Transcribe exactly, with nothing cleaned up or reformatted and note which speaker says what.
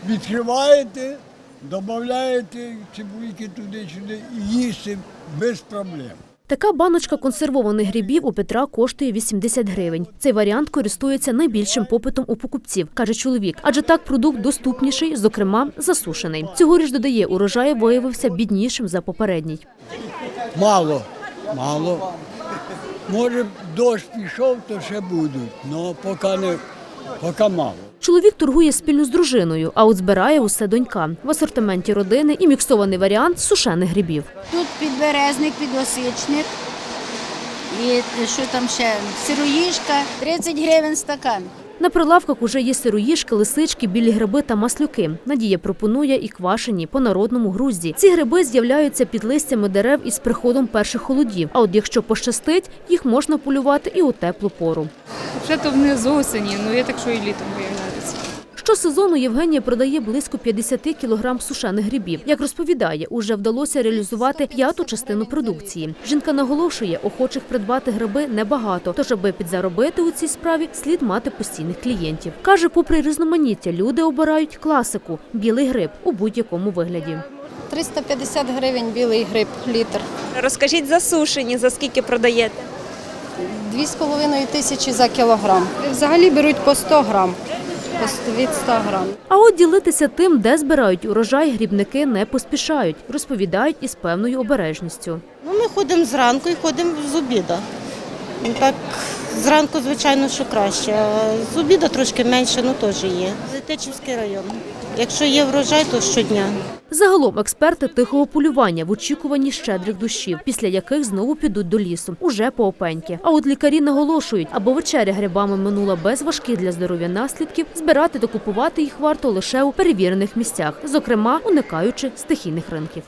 Speaker 1: Відкриваєте, додаєте цибульки туди-сюди і їсти без проблем.
Speaker 2: Така баночка консервованих грибів у Петра коштує вісімдесят гривень. Цей варіант користується найбільшим попитом у покупців, каже чоловік. Адже так продукт доступніший, зокрема засушений. Цьогоріч, додає, урожай виявився біднішим за попередній.
Speaker 1: Мало, мало. Може, дощ пішов, то ще будуть, але поки, не, поки мало.
Speaker 2: Чоловік торгує спільно з дружиною, а от збирає усе донька. В асортименті родини і міксований варіант сушених грибів.
Speaker 3: Тут підберезник, підосичник і що там ще, сироїжка, тридцять гривень стакан.
Speaker 2: На прилавках уже є сироїжки, лисички, білі гриби та маслюки. Надія пропонує і квашені по народному грузді. Ці гриби з'являються під листями дерев із приходом перших холодів. А от якщо пощастить, їх можна полювати і у теплу пору.
Speaker 4: Вже то вони з осені, ну я так, що і літом виявляються.
Speaker 2: Щосезону Євгенія продає близько п'ятдесят кілограм сушених грибів. Як розповідає, уже вдалося реалізувати п'яту частину продукції. Жінка наголошує, охочих придбати гриби небагато, тож аби підзаробити у цій справі, слід мати постійних клієнтів. Каже, попри різноманіття, люди обирають класику – білий гриб у будь-якому вигляді.
Speaker 5: триста п'ятдесят гривень білий гриб, літр.
Speaker 6: Розкажіть за сушені, за скільки продаєте?
Speaker 5: Дві з половиною тисячі за кілограм. Взагалі беруть по сто грам, від ста грам.
Speaker 2: А от ділитися тим, де збирають урожай, грибники не поспішають. Розповідають із певною обережністю.
Speaker 7: Ну, ми ходимо зранку і ходимо з обіду. Ну, так, зранку, звичайно, що краще. А з обіду трошки менше, ну теж є. Тетичівський район. Якщо є врожай, то щодня.
Speaker 2: Загалом експерти тихого полювання в очікуванні щедрих дощів, після яких знову підуть до лісу, уже по опеньки. А от лікарі наголошують, аби вечеря грибами минула без важких для здоров'я наслідків, збирати та купувати їх варто лише у перевірених місцях, зокрема уникаючи стихійних ринків.